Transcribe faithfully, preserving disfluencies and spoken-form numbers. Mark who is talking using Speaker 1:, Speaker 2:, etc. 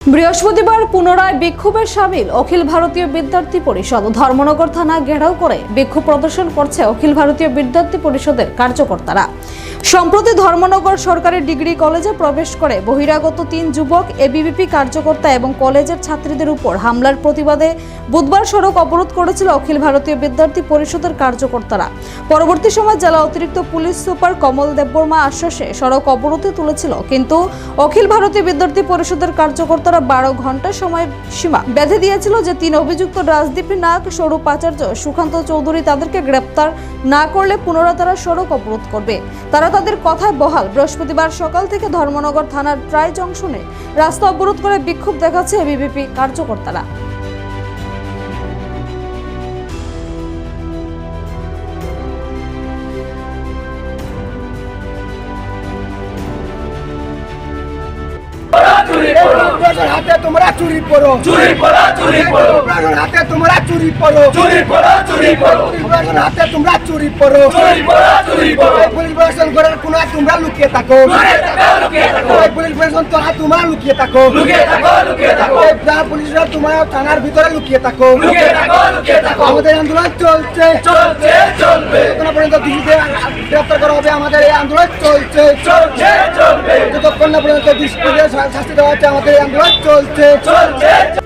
Speaker 1: বৃহস্পতিবার পুনরায় বিক্ষোভে সামিল অখিল ভারতীয় বিদ্যার্থী পরিষদ। ধর্মনগর থানা ঘেরাও করে বিক্ষোভ প্রদর্শন করছে অখিল ভারতীয় বিদ্যার্থী পরিষদের কার্যকর্তারা। সম্প্রতি ধর্মনগর সরকারি ডিগ্রি কলেজে প্রবেশ করে বহিরাগত তিন যুবক এবিভিপি কার্যকর্তা এবং কলেজের ছাত্রীদের উপর হামলার প্রতিবাদে বুধবার সড়ক অবরোধ করেছিল অখিল ভারতীয় বিদ্যার্থী পরিষদের কার্যকর্তারা। পরবর্তী সময় জেলা অতিরিক্ত পুলিশ সুপার কমল দেববর্মা আশ্বাসে সড়ক অবরোধে তুলেছিল, কিন্তু অখিল ভারতীয় বিদ্যার্থী পরিষদের কার্যকর্তারা বারো ঘন্টা সময় সীমা বেঁধে দিয়েছিল যে তিন অভিযুক্ত রাজদীপী নাগ, স্বরূপ আচার্য, সুকান্ত চৌধুরী তাদেরকে গ্রেপ্তার না করলে পুনরায় তারা সড়ক অবরোধ করবে। তারা তাদের কথায় বহাল। বৃহস্পতিবার সকাল থেকে ধর্মনগর থানার ট্রাই জংশনে রাস্তা অবরোধ করে বিক্ষোভ দেখাচ্ছে এবিভিপি কার্যকর্তারা।
Speaker 2: হাতে তোমরা চুরি করো, চুরি করো, চুরি করো, হাতে তোমরা চুরি করো, চুরি করো, চুরি করো, হাতে তোমরা চুরি করো, চুরি করো, চুরি করো। পুলিশ প্রশাসন ঘরের কোনায় তোমরা লুকিয়ে থাকো, লুকিয়ে থাকো, পুলিশ প্রশাসন তোমরা লুকিয়ে থাকো, লুকিয়ে থাকো, লুকিয়ে থাকো, পুলিশরা তোমরা থানার ভিতরে লুকিয়ে থাকো, লুকিয়ে থাকো, লুকিয়ে থাকো। আমাদের আন্দোলন চলছে, চলছে, চলবে। যতক্ষণ পর্যন্ত দোষীদের গ্রেফতার করা হবে, আমাদের এই আন্দোলন চলছে, চলছে, চলবে। যতক্ষণ না পর্যন্ত দোষীদের শাস্তি দেওয়া হচ্ছে, আমাদের এই আন্দোলন চলছে, চলছে।